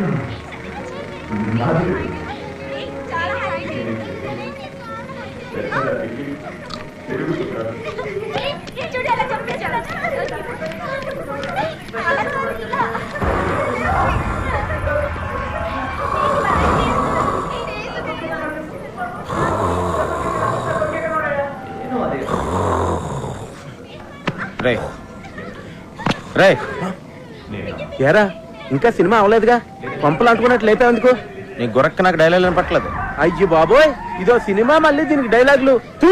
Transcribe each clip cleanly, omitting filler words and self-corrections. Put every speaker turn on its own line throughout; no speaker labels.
రే రే ఏరా ఇంకా సినిమా అవలేదుగా, పంపులు అంటుకున్నట్లు లేపే ఎందుకు? నీ గురక్క నాకు డైలాగ్ వినపట్లేదు. అయ్యో బాబోయ్, ఇదో సినిమా మళ్ళీ దీనికి డైలాగులు తూ.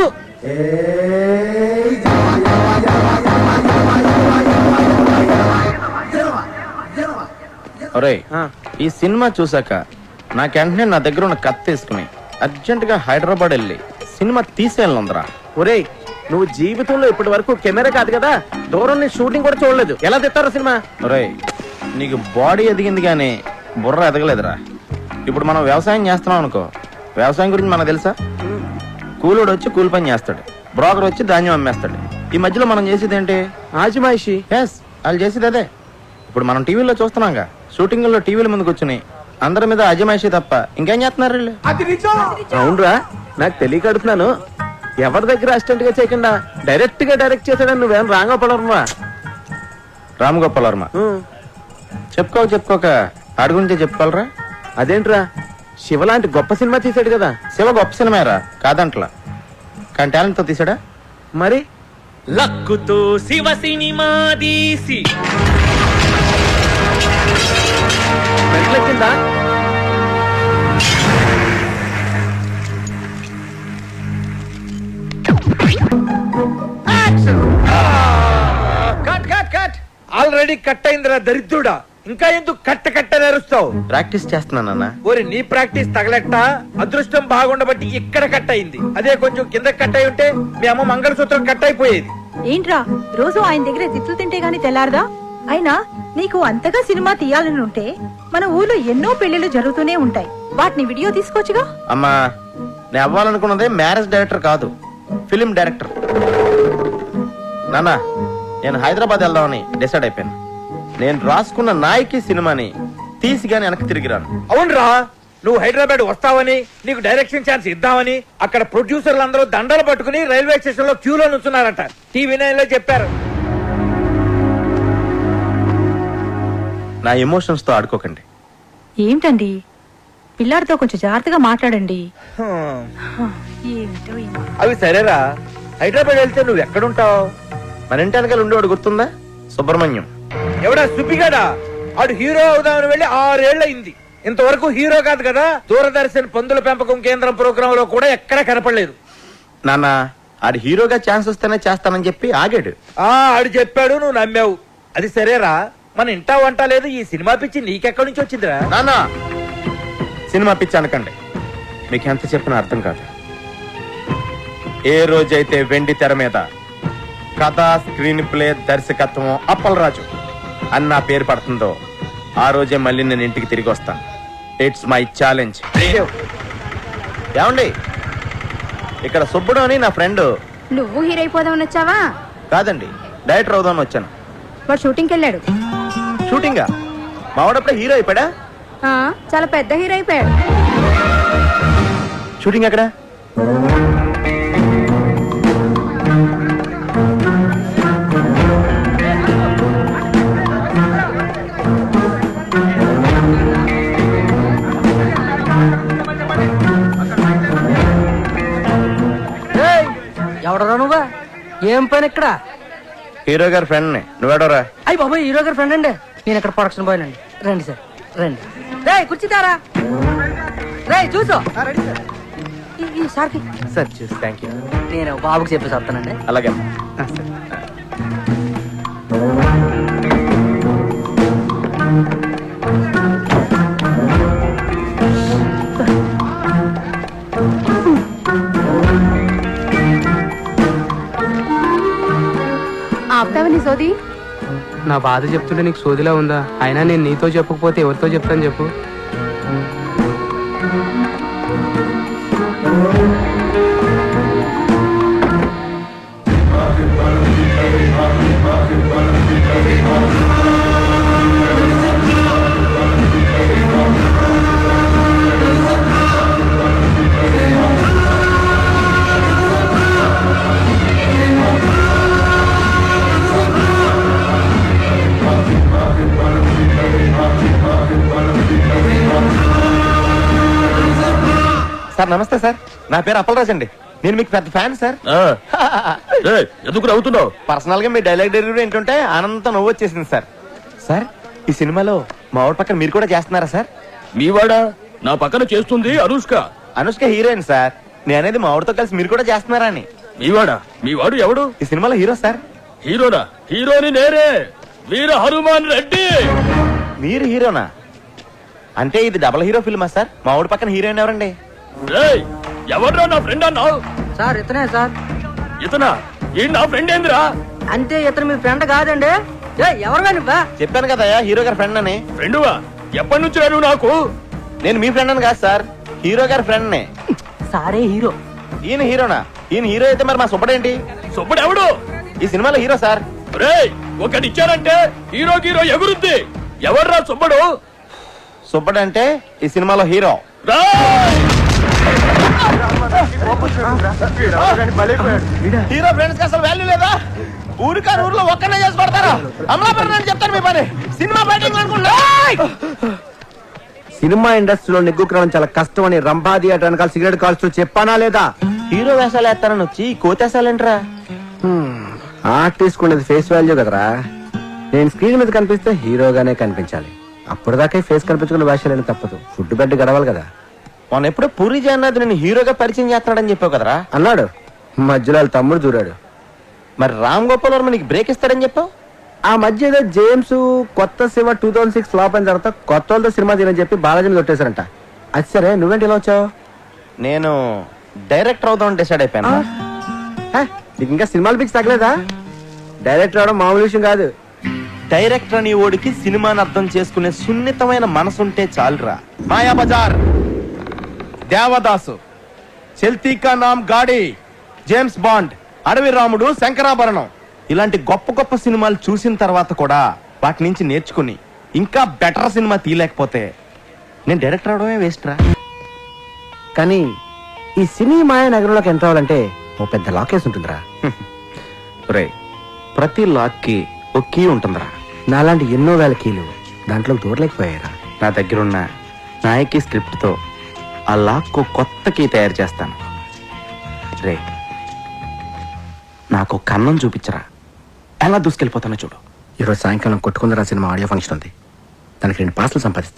ఒరే, ఈ సినిమా చూసాక నాకు వెంటనే నా దగ్గర ఉన్న కత్తి తీసుకుని అర్జెంట్ గా హైదరాబాద్ వెళ్ళి సినిమా తీసేయాలందరా. ఒరే, నువ్వు జీవితంలో ఇప్పటి వరకు కెమెరా కాదు కదా, దూరం నీ షూటింగ్ కూడా చూడలేదు, ఎలా తెస్తారో సినిమా? ఒరే, నీకు బాడీ ఎదిగింది కానీ బుర్ర ఎదగలేదురా. ఇప్పుడు మనం వ్యవసాయం చేస్తున్నాం అనుకో, వ్యవసాయం గురించి మనకు తెలుసా? కూలోడు వచ్చి కూలి పని చేస్తాడు, బ్రోకర్ వచ్చి ధాన్యం అమ్మేస్తాడు. ఈ మధ్యలో మనం చేసేది ఏంటి? ఆజిమాయిషి. ఎస్, వాళ్ళు చేసేది అదే. ఇప్పుడు మనం టీవీలో చూస్తున్నాంగా, షూటింగ్ లో టీవీల ముందుకు వచ్చి అందరి మీద అజమాయిషి తప్ప ఇంకేం చేస్తున్నారు వీళ్ళు? అవునరా, నాకు తెలియక అడుగుతున్నాను. ఎవరి దగ్గర అసిస్టెంట్ గా చేయకుండా డైరెక్ట్ గా డైరెక్ట్ చేశాడని నువ్వేం రామగోపాల్ వర్మ? రామగోపాల్ వర్మ చెప్పుకోక ఆడి గురించే చెప్పుకోవాలరా. అదేంట్రా, శివ లాంటి గొప్ప సినిమా తీసాడు కదా. శివ గొప్ప సినిమారా కాదంట్లా, కానీ టాలెంట్ తో తీసాడా. మరి
లక్కుతో శివ సినిమా తీసి
వెంటలెక్కిందా?
ఆల్రెడీ కట్ అయిందిరా దరిద్రుడా, ఇంకా ఎందుకు కట్ట నేరుస్తావు?
ప్రాక్టీస్ చేస్తున్నానన్నా.
ఓరి నీ ప్రాక్టీస్ తగలెట్ట, అదృష్టం బాగుండబట్టి ఇక్కడ కట్ అయింది. అదే కొంచెం కింద కట్ అయి ఉంటే మీ అమ్మ మంగళసూత్రం కట్ అయిపోయేది.
ఏంట్రా రోజు ఆయన దగ్గర తిట్లు తింటే గాని తెల్లారదా? అయినా నీకు అంతగా సినిమా తీయాలని ఉంటే మన ఊర్లో ఎన్నో పెళ్లిళ్ళు జరుగుతూనే ఉంటాయి, వాటిని వీడియో తీసుకోవచ్చుగా.
అమ్మా, నేను అవ్వాలనుకున్నదే మ్యారేజ్ డైరెక్టర్ కాదు, ఫిలిం డైరెక్టర్. నాన్న, నేను హైదరాబాద్ వెళ్దామని డిసైడ్ అయిపోయాను. నేను రాసుకున్న నాయకి సినిమాని తీసి గాని వెనక్కి తిరిగిరాను.
అవునరా, నువ్వు హైదరాబాద్ వస్తావని, నీకు డైరెక్షన్ ఛాన్స్ ఇద్దామని అక్కడ ప్రొడ్యూసర్లు అందరూ దండలు పట్టుకుని రైల్వే స్టేషన్ లో క్యూలో నుంచున్నారంట. టీవీ నైన్ లో చెప్పారు.
నా ఎమోషన్స్ తో ఆడుకోకండి.
ఏంటండి, పిల్లాడితో కొంచెం జాగ్రత్తగా మాట్లాడండి.
అవి సరేరా, హైదరాబాద్ వెళ్తే నువ్వు ఎక్కడుంటావు?
మన ఇంటి వెనకాల ఉండేవాడు గుర్తుందా? సుబ్రహ్మణ్యం.
ఎవడా సుబ్బిగాడా? ఆడు హీరో అవుదామని వెళ్ళి 6 ఏళ్లయింది. ఇంతవరకు హీరో కాదు కదా, దూరదర్శన్ పందుల పెంపకం కేంద్రం ప్రోగ్రామ్ లో కూడా ఎక్కడ కనపడలేదు.
నాన్న, ఆడు హీరోగా ఛాన్స్ వస్తేనే చేస్తానని చెప్పి ఆగాడు.
ఆడు చెప్పాడు, నువ్వు నమ్మావు. అది సరేరా, మన ఇంటా వంట లేదు, ఈ సినిమా పిచ్చి నీకెక్కడి నుంచి వచ్చిందిరా?
నాన్న, సినిమా పిచ్చి అనకండి, మీకు ఎంత చెప్పినా అర్థం కాదు. ఏ రోజైతే వెండి తెర మీద కథ, స్క్రీన్ ప్లే, దర్శకత్వం అప్పలరాజు అని నా పేరు పడుతుందో ఆ రోజే మళ్ళీ నేను ఇంటికి తిరిగి వస్తాను. It's my challenge. ఏమండి, ఇక్కడ సుబ్బుడు అని నా ఫ్రెండ్.
నువ్వు హీరో అయిపోదామని వచ్చావా?
కాదండి, డైరెక్టర్ అవుదామని వచ్చాను.
వాడు షూటింగ్కి వెళ్ళాడు.
షూటింగా? మావాడప్పుడే హీరో అయిపోయాడా?
చాలా పెద్ద హీరో అయిపోయాడు.
షూటింగ్ ఎక్కడ?
ఎవడరా నువ్వా? ఏం పని ఇక్కడ?
హీరో గారి ఫ్రెండ్ ని. నువ్వేడోరా?
అయ్యి బాబాయ్, హీరో గారి ఫ్రెండ్ అండి. నేను ఇక్కడ ప్రొడక్షన్ బాయ్ అండి. రండి సార్, రండి. రే కూర్చుతారా? రే చూసు సార్కి
సార్ చూసి థ్యాంక్ యూ.
నేను బాబుకి చెప్పేసి వస్తానండి.
అలాగే.
ఆపుతావని సోది?
నా బాధ చెప్తుంటే నీకు సోదిలా ఉందా? అయినా నేను నీతో చెప్పకపోతే ఎవరితో చెప్తాను చెప్పు?
సార్ నమస్తే సార్, నా పేరు అప్పలరాజ్ అండి. నేను మీకు పెద్ద ఫ్యాన్ సార్.
ఎందుకు నవ్వుతున్నావు?
పర్సనల్ గా మీ డైలాగ్ డెలివరీ ఏంటంటే ఆనందంతో నవ్వు వచ్చేసింది సార్. సార్ ఈ సినిమాలో మా ఊరి పక్కన మీరు కూడా చేస్తున్నారా సార్?
మీవాడా? నా పక్కన చేస్తుంది అనుష్క.
Anushka heroine sir. నేను అనేది మా ఊరితో కలిసి మీరు కూడా చేస్తున్నారా అని.
మీవాడా? మీవాడు ఎవడు?
ఈ సినిమాలో హీరో సార్.
హీరోనా? హీరోని నేనే, వీర హనుమాన్ రెడ్డి.
మీరు హీరోనా? అంటే ఇది డబుల్ హీరో ఫిల్మా సార్? మా ఊరి పక్కన హీరోయిన్ ఎవరండి?
రేయ్, ఎవడ్రా నా ఫ్రెండ్ అన్నావు?
సార్ ఇతనే సార్.
ఇతనా? ఈ నా ఫ్రెండ్ ఏందిరా?
అంటే ఇతను మీ ఫ్రెండ్ కాదండి. ఎవరు నువ్వా?
చెప్పాను కదా హీరో గారి ఫ్రెండ్ అని.
ఫ్రెండువా? ఎప్పటి నుంచి రాను నాకు?
నేను మీ ఫ్రెండ్ అని కాదు సార్, హీరో గారి ఫ్రెండ్ నే.
సారే హీరో.
ఈయన హీరోనా? ఈయన హీరో అయితే మరి మా సుబ్బడేంటి?
సుబ్బడు ఎవడు?
ఈ సినిమాలో హీరో సార్.
రేయ్, ఒకటి ఇచ్చారంటే హీరో హీరో ఎగురుద్ది. ఎవర్రా సుబ్బడు?
సుబ్బడు అంటే ఈ సినిమాలో హీరో.
రేయ్!
హీరో ఫ్రెండ్స్ కి అసలు వాల్యూ లేదా? ఊరికారు ఊర్లో ఒక్కనే చేసి పడతారా? అమలాపురం చెప్తాను మీ పని. సినిమా ఫైటింగ్ అనుకుంటా.
సినిమా ఇండస్ట్రీలో నెగ్గుకురావడం చాలా కష్టం అని రంభా థియేటర్ వెనకాల సిగరెట్ కాల్స్తూ చెప్పానా లేదా?
హీరో వేషాలు వేస్తారని వచ్చి కోతేసాలేంట్రా?
ఆర్టిస్ట్ ఉండేది ఫేస్ వాల్యూ కదరా. నేను స్క్రీన్ మీద కనిపిస్తే హీరోగానే కనిపించాలి. అప్పటిదాకా ఫేస్ కనిపించుకున్న వేషాలని తప్పదు. ఫుడ్ బెడ్ గడవాలి కదా.
మొన్న ఎప్పుడో పూరి జగన్నాథ్ నేను హీరోగా పరిచయం చేస్తున్నాడని చెప్పావు కదరా?
అన్నాడు. మధ్యలో వాళ్ళ తమ్ముడు దూరాడు.
మరి రామ్ గోపాల్ వర్మ నీకు బ్రేక్ ఇస్తాడని చెప్పావు.
ఆ మధ్య ఏదో జేమ్స్ కొత్త శివ 2006 ఫ్లాప్ అయిన తర్వాత కొత్త వాళ్ళతో సినిమా తీరని చెప్పి బాలాజీని కొట్టేశారంట. అది సరే, నువ్వేంటి ఇలా వచ్చావు?
నేను డైరెక్టర్ అవుదామని డిసైడ్ అయిపోయాను.
నీకు ఇంకా సినిమాలు పిక్స్ తగ్గలేదా? డైరెక్టర్ అవడం మామూలు విషయం కాదు.
డైరెక్టర్ అని ఓడికి సినిమాని అర్థం చేసుకునే సున్నితమైన మనసుంటే చాలురా. మాయా బజార్, దేవదాసు, చెల్తీ కా నామ్ గాడి, జేమ్స్ బాండ్, అడవి రాముడు, శంకరాభరణం ఇలాంటి గొప్ప గొప్ప సినిమాలు చూసిన తర్వాత కూడా వాటి నుంచి నేర్చుకుని ఇంకా బెటర్ సినిమా తీయలేకపోతే నేను డైరెక్టర్ అవడమే వేస్ట్ రా.
కానీ ఈ సినీ మాయ నగరంలోకి ఎంటర్ అవ్వాలంటే ఓ పెద్ద లాకేస్ ఉంటుందిరా.
రే, ప్రతి లాక్ కి ఒక కీ ఉంటుందిరా.
నాలాంటి ఎన్నో వేల కీలు దాంట్లో దూరలేకపోయారా.
నా దగ్గరున్న నాయకి స్క్రిప్ట్ తో ఆ లాక్ కొత్త కీ తయారు చేస్తాను. రే, నాకు కన్నం చూపించరా, ఎలా దూసుకెళ్ళిపోతానో చూడు.
ఈరోజు సాయంకాలం కొట్టుకుందరా సినిమా ఆడియో ఫంక్షన్ ఉంది. దానికి 2 పాస్లు సంపాదిస్తా.